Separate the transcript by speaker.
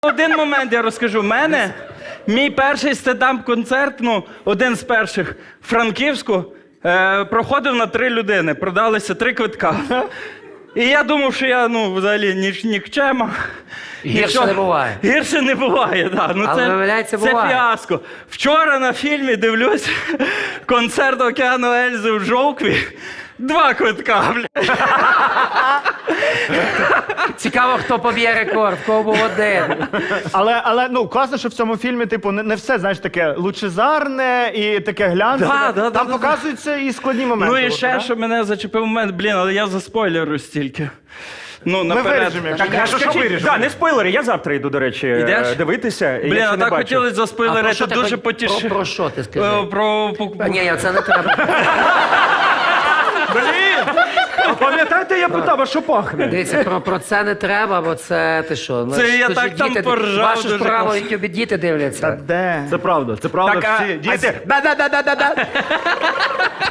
Speaker 1: Один момент я розкажу. Мій перший стендап-концерт, один з перших в Франківську, проходив на 3 людини. Продалися 3 квитка. І я думав, що я, взагалі, нікчема.
Speaker 2: Гірше не буває.
Speaker 1: Гірше не буває, так.
Speaker 2: Але, виявляється,
Speaker 1: це
Speaker 2: буває.
Speaker 1: фіаско. Вчора на фільмі дивлюсь концерт Океану Ельзи в Жовкві. 2 квитка, блядь.
Speaker 2: Цікаво, хто поб'є рекорд, в кого був один.
Speaker 3: Але класно, що в цьому фільмі, типу, не все, знаєш, таке лучезарне і таке глянцеве.
Speaker 1: Да,
Speaker 3: Там показуються і складні моменти.
Speaker 1: Ну і ще, що мене зачепив момент, але я заспойлерю стільки. Наперед.
Speaker 3: виріжемо, якщо
Speaker 4: Так, а що виріжемо? Так, не спойлери, я завтра йду, до речі,
Speaker 1: Ідеш?
Speaker 4: дивитися.
Speaker 1: А так хотілося
Speaker 2: А
Speaker 1: заспойлерити,
Speaker 2: про що
Speaker 1: дуже
Speaker 2: ти
Speaker 1: потішив.
Speaker 2: про що ти скажи?
Speaker 1: Про...
Speaker 2: Ні, це не треба.
Speaker 4: Блін! А пам'ятаєте, я питав, а що пахне?
Speaker 2: Дивіться, про це не треба, бо це ти що?
Speaker 1: Це я
Speaker 2: тут
Speaker 1: так
Speaker 2: же
Speaker 1: там
Speaker 2: діти,
Speaker 1: поржав
Speaker 2: Вашу
Speaker 1: дуже
Speaker 2: справу,
Speaker 1: класно.
Speaker 2: які діти дивляться.
Speaker 3: Де?
Speaker 4: Це правда,
Speaker 3: Так,
Speaker 4: всі діти. Да-да-да-да-да-да.